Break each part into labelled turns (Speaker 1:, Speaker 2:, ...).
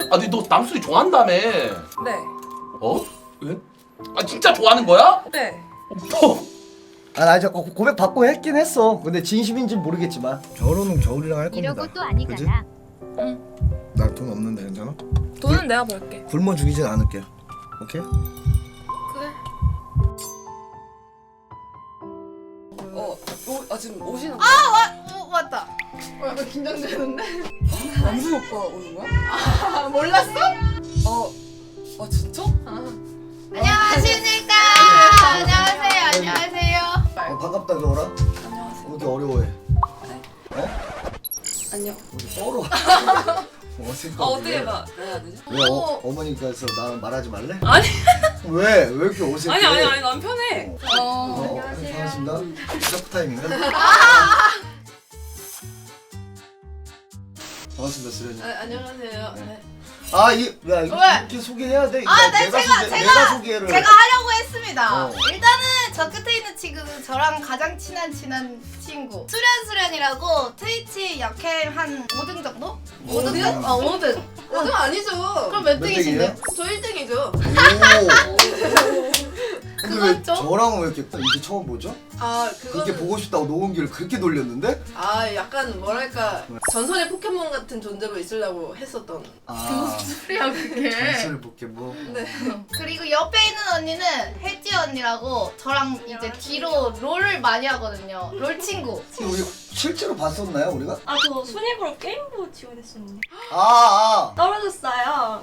Speaker 1: 아니 너 남순이 좋아한다며.
Speaker 2: 네.
Speaker 1: 어? 왜? 아 진짜 좋아하는 거야?
Speaker 2: 네.
Speaker 3: 나 이제 고백 받고 했긴 했어. 근데 진심인지는 모르겠지만
Speaker 4: 결혼은 겨울이랑 할 겁니다.
Speaker 5: 이러고 또 아니잖아.
Speaker 2: 응.
Speaker 4: 나 돈 없는데 괜찮아?
Speaker 2: 돈은 내가 벌게.
Speaker 4: 굶어 죽이진 않을게. 오케이?
Speaker 2: 그래. 지금 오시는 거.
Speaker 6: 맞다. 약간 긴장되는데?
Speaker 2: 남순 오빠 오는 거야?
Speaker 6: 몰랐어?
Speaker 2: 진짜?
Speaker 6: 안녕하십니까. 안녕하세요. 안녕하세요.
Speaker 3: 반갑다 겨울아.
Speaker 2: 안녕하세요.
Speaker 3: 왜 이렇게 어려워해?
Speaker 2: 안녕.
Speaker 3: 우리 썰어. 어색하게.
Speaker 2: 어떻게 해야 되지?
Speaker 3: 왜 어머니께서 나랑 말하지 말래?
Speaker 2: 아니.
Speaker 3: 왜 이렇게 어색해?
Speaker 2: 아니 난 편해.
Speaker 3: 반갑습니다. 시작 타임인가? 반갑습니다 수련이.
Speaker 6: 안녕하세요. 네.
Speaker 3: 야 이거
Speaker 6: 왜?
Speaker 3: 이렇게 소개해야 돼.
Speaker 6: 네,
Speaker 3: 내가 소개를.
Speaker 6: 제가 하려고 했습니다.
Speaker 3: 어.
Speaker 6: 일단은 저 끝에 있는 친구는 저랑 가장 친한 친구 수련이라고 트위치 역캠 한 5등 정도? 5등? 5등.
Speaker 7: 5등 아니죠.
Speaker 6: 그럼 몇
Speaker 3: 몇
Speaker 6: 등이신데?
Speaker 7: 저 1등이죠.
Speaker 3: 오. 근데 왜
Speaker 6: 그건 좀-
Speaker 3: 저랑은 왜 이렇게 이제 처음 보죠? 그렇게
Speaker 7: 그거는
Speaker 3: 보고 싶다고 녹음기를 그렇게 돌렸는데?
Speaker 7: 약간 뭐랄까 전설의 포켓몬 같은 존재로 있으려고 했었던.
Speaker 6: 그래요 그게.
Speaker 3: 전설 포켓몬.
Speaker 7: 네.
Speaker 6: 그리고 옆에 있는 언니는 혜지 언니라고 저랑 이제 뒤로 롤을 많이 하거든요. 롤 친구.
Speaker 3: 우리 실제로 봤었나요 우리가?
Speaker 8: 저 순위부로 게임부 지원했었는데 떨어졌어요.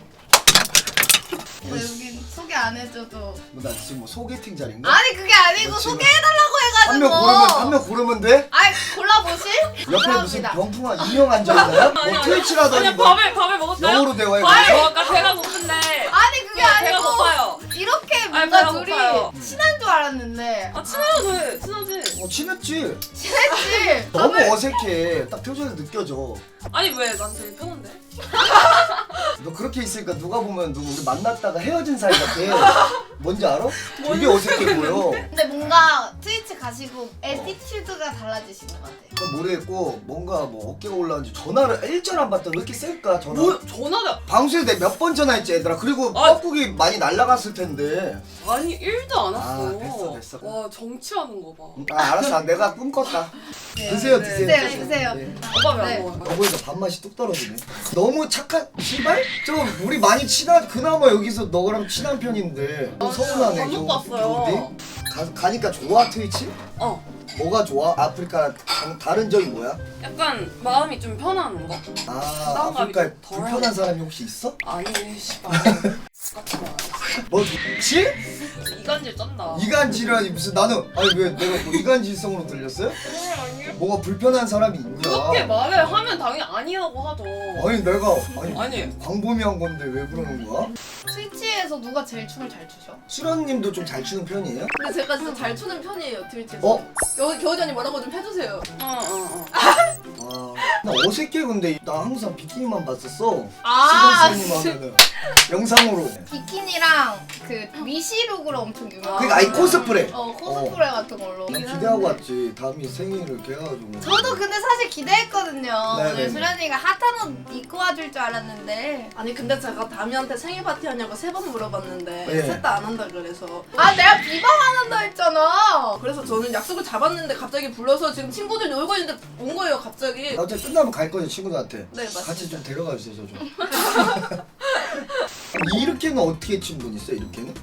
Speaker 6: 여긴 소개 안 해줘도.
Speaker 3: 나 지금 뭐 소개팅 자리인가?
Speaker 6: 아니 그게 아니고
Speaker 3: 지금
Speaker 6: 소개해달라고
Speaker 3: 한
Speaker 6: 해가지고.
Speaker 3: 명 고르면 돼?
Speaker 6: 아이 골라보실?
Speaker 3: 옆에 무슨
Speaker 6: 감사합니다.
Speaker 3: 병풍아 인형 앉아있나요? 뭐 트위치라더니
Speaker 2: 아니
Speaker 3: 뭐
Speaker 2: 밥을 먹었어요?
Speaker 3: 영어로 대화해
Speaker 2: 아니
Speaker 3: 보세요.
Speaker 2: 아까 배가 고픈데.
Speaker 6: 아니 그게
Speaker 2: 배가
Speaker 6: 아니고
Speaker 2: 고파요.
Speaker 6: 이렇게
Speaker 2: 아니,
Speaker 6: 뭔가
Speaker 2: 배가
Speaker 6: 둘이
Speaker 2: 고파요.
Speaker 6: 친한 줄 알았는데
Speaker 2: 친하지.
Speaker 3: 친했지?
Speaker 6: 친했지.
Speaker 3: 너무
Speaker 6: 밥을-
Speaker 3: 어색해 딱 표정에서 느껴져.
Speaker 2: 아니 왜? 난 되게 편한데.
Speaker 3: 너 그렇게 있으니까 누가 보면 누구 우리 만났다가 헤어진 사이 같아. 뭔지 알아? 되게 어색해 보여.
Speaker 6: 근데 뭔가 트위치 가시고 애티튜드가 달라지시는 것 같아요.
Speaker 3: 그건 모르겠고 뭔가 뭐 어깨가 올라왔는지 전화를 일절 안 받다 왜 이렇게 셀까 전화?
Speaker 2: 뭐 전화가
Speaker 3: 방수에 내가 몇 번 전화했지 얘들아. 그리고
Speaker 2: 아.
Speaker 3: 뻐꾸기 많이 날라갔을 텐데.
Speaker 2: 아니 1도 안 왔어.
Speaker 3: 됐어.
Speaker 2: 와 정치하는 거 봐.
Speaker 3: 알았어 내가 꿈꿨다. 드세요
Speaker 2: 네.
Speaker 6: 드세요.
Speaker 3: 네.
Speaker 2: 오빠 왜
Speaker 6: 네.
Speaker 2: 안 먹어요?
Speaker 3: 여보니까 밥맛이 뚝 떨어지네. 너무 착한 씨발? 좀 우리 많이 친한 그나마 여기서 너랑 친한 편인데 너 서운하네.
Speaker 2: 밥 먹고 왔어요.
Speaker 3: 가니까 좋아 트위치? 뭐가 좋아? 아프리카 다른 점이 뭐야?
Speaker 2: 약간 마음이 좀 편한 거. 부담감이
Speaker 3: 아프리카에
Speaker 2: 좀 덜
Speaker 3: 불편한
Speaker 2: 하네.
Speaker 3: 사람이 혹시 있어?
Speaker 2: 아니 씨발. 같이 봐.
Speaker 3: 뭐 좋지?
Speaker 2: 이간질 쩐다.
Speaker 3: 이간질이라니 무슨 나는 아니 왜 내가 뭐 이간질성으로 들렸어요? 뭐가 불편한 사람이 있냐?
Speaker 2: 그렇게 말을 하면 당연히 아니라고 하죠.
Speaker 3: 아니 내가
Speaker 2: 아니.
Speaker 3: 광범위 한 건데 왜 그러는 거야?
Speaker 6: 트위치에서 누가 제일 춤을 잘 추셔?
Speaker 3: 수련님도 좀 잘 추는 편이에요?
Speaker 7: 근데 제가 진짜 잘 추는 편이에요 트위치에서.
Speaker 3: 어?
Speaker 7: 겨우전이 뭐라고 좀 해주세요.
Speaker 3: 나 어색해 근데 나 항상 비키니만 봤었어. 수련님 하면은 영상으로.
Speaker 6: 비키니랑 그 미시룩으로 엄청 유명한.
Speaker 3: 그러니까 아이 코스프레.
Speaker 6: 코스프레 같은 걸로.
Speaker 3: 난 기대하고 왔지. 다음이 생일을 이렇게 해가지고.
Speaker 6: 저도 근데 사실 기대했거든요.
Speaker 3: 네네네.
Speaker 6: 오늘 수련이가 핫한 옷 입고 와줄 줄 알았는데.
Speaker 7: 아니 근데 제가 다미한테 생일 파티 하냐고 3번 물어봤는데
Speaker 3: 네.
Speaker 7: 셋 다 안 한다 그래서.
Speaker 6: 내가 비방 안 한다 했잖아.
Speaker 7: 그래서 저는 약속을 잡았는데 갑자기 불러서 지금 친구들 놀고 있는데 온 거예요 갑자기.
Speaker 3: 나 어차피 끝나면 갈 거죠 친구들한테.
Speaker 7: 네, 맞습니다.
Speaker 3: 같이 좀 데려가 주세요 저 좀. 이렇게는 어떻게 친분 있어 이렇게는?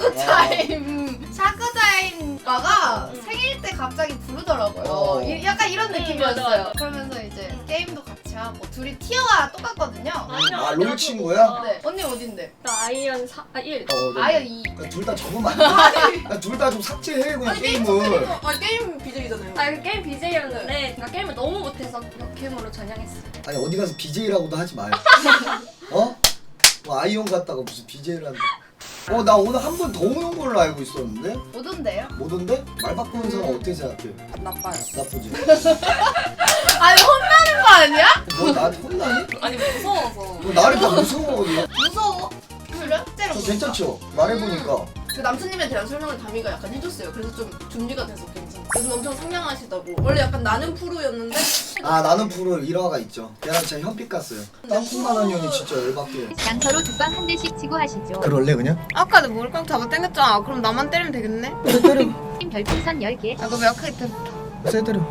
Speaker 6: 샤크타임과가 생일 때 갑자기 부르더라고요. 약간 이런 느낌이었어요.
Speaker 8: 맞아.
Speaker 6: 그러면서 이제 게임도 같이 하고 둘이 티어가 똑같거든요.
Speaker 3: 롤 친구야?
Speaker 6: 네. 언니 어딘데?
Speaker 8: 나 아이언 1.
Speaker 6: 아이언 2.
Speaker 3: 둘 다 적으면 안 돼. 둘 다 좀 삭제해 그냥 게임을.
Speaker 7: 게임 BJ잖아요.
Speaker 8: 그 게임 BJ였는데 제가 게임을 너무 못해서 역캠으로 전향했어요.
Speaker 3: 아니 어디 가서 BJ라고도 하지 마요. 어? 뭐 아이온 갔다가 무슨 BJ를 한다. 나 오늘 한 번 더 오는 걸로 알고 있었는데?
Speaker 6: 오던데요?
Speaker 3: 못 온대? 말 바꾸는 사람 어떻게 생각해?
Speaker 2: 나빠요.
Speaker 3: 나쁘지?
Speaker 6: 아니 혼나는 거 아니야?
Speaker 3: 너 나한테 혼나니?
Speaker 2: 아니 무서워서.
Speaker 3: 너 나를 다 무서워하거든.
Speaker 6: 무서워? 그래?
Speaker 3: 저 괜찮죠? 말해보니까
Speaker 7: 그 남친님에 대한 설명을 다미가 약간 해줬어요. 그래서 좀 준비가 돼서 괜찮아. 요즘 엄청 상냥하시다고. 원래 약간 나는 프로였는데
Speaker 3: 아 나는 프로 일화가 있죠. 걔랑 진짜 현피 깠어요. 땅콩만 원년이 진짜 열받게.
Speaker 5: 양서로 두방 한 대씩 치고 하시죠.
Speaker 4: 그럴래 그냥?
Speaker 2: 아까도 머리깡 잡아 당겼잖아. 그럼 나만 때리면 되겠네?
Speaker 4: 그래 때려.
Speaker 5: 팀 별풍선 10개.
Speaker 2: 아, 그럼 약하게 때려.
Speaker 4: 세 때려.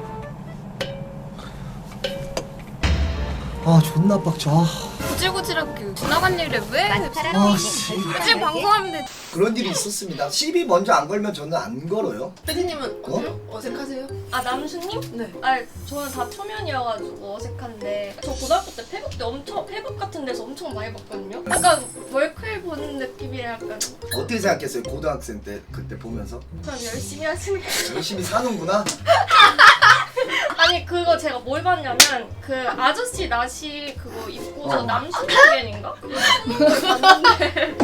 Speaker 3: 아 존나 빡쳐.
Speaker 2: 구질구질하게 지나간 일에 왜?
Speaker 5: 마스카라
Speaker 3: 아,
Speaker 5: 페이는
Speaker 3: 씨.
Speaker 2: 굳이
Speaker 5: 별풍선 10개.
Speaker 2: 방송하면 돼.
Speaker 3: 그런 일이 있었습니다. 시비 먼저 안 걸면 저는 안 걸어요.
Speaker 7: 패디님은 어때요? 어색하세요?
Speaker 8: 아 남수님?
Speaker 7: 네.
Speaker 8: 아 저는 다 초면이어가지고 어색한데 저 고등학교 때 페북 때 엄청 페북 같은 데서 엄청 많이 봤거든요. 약간 월클 보는 느낌이라 약간
Speaker 3: 어떻게 생각했어요? 고등학생 때 그때 보면서
Speaker 8: 그냥 열심히 하시는 게
Speaker 3: 열심히 사는구나.
Speaker 8: 아니 그거 제가 뭘 봤냐면 그 아저씨 나시 그거 입고서 남수님인가? 그거 봤는데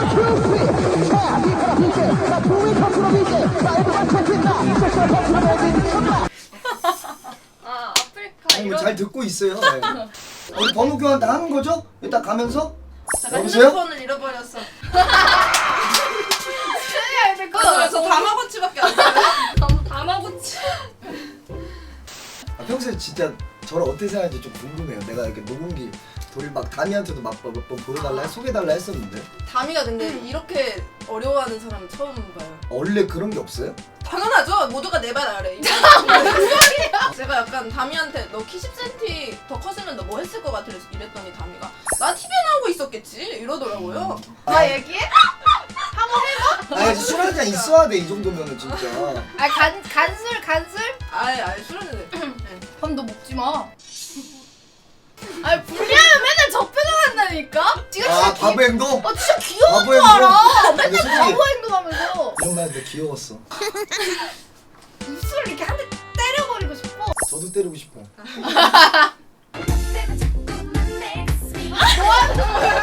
Speaker 8: 아 아프리카
Speaker 3: 아니 뭐
Speaker 8: 이런
Speaker 3: 잘 듣고 있어요. 네. 우리 번호 교환 다 하는 거죠? 일단 가면서
Speaker 7: 제가
Speaker 3: 여보세요?
Speaker 7: 핸드폰을 잃어버렸어.
Speaker 2: 그
Speaker 7: 저 다마고치밖에 안 써요.
Speaker 8: 다마고치
Speaker 3: 아, 평소에 진짜 저를 어떻게 생각하는지 좀 궁금해요. 내가 이렇게 녹음기 돌 막 다미한테도 막 몇 번 보여달라 소개달라 했었는데
Speaker 7: 다미가 근데 이렇게 어려워하는 사람 처음 봐요.
Speaker 3: 원래 그런 게 없어요?
Speaker 7: 당연하죠. 모두가 내 발 아래. 제가 약간 다미한테 너 키 10cm 더 컸으면 너 뭐 했을 것 같아 이랬더니 다미가 나 TV에 나오고 있었겠지 이러더라고요.
Speaker 6: 나 얘기해?
Speaker 3: 아니 술 한 잔 있어야 돼 이 정도면은 진짜.
Speaker 6: 아 간술?
Speaker 7: 아예 술은
Speaker 6: 밤 너 먹지 마. 아니 불리하면 맨날 저 표정 한다니까? 지금
Speaker 3: 아
Speaker 6: 진짜
Speaker 3: 바보 행동?
Speaker 6: 진짜 귀여운
Speaker 3: 바보
Speaker 6: 줄
Speaker 3: 행동?
Speaker 6: 알아.
Speaker 3: 근데
Speaker 6: 맨날
Speaker 3: 솔직히
Speaker 6: 바보 행동하면서
Speaker 3: 이런 말 하는데 귀여웠어.
Speaker 6: 입술을 이렇게 한 대 때려버리고 싶어.
Speaker 3: 저도 때리고 싶어.
Speaker 6: 좋아하는 거야.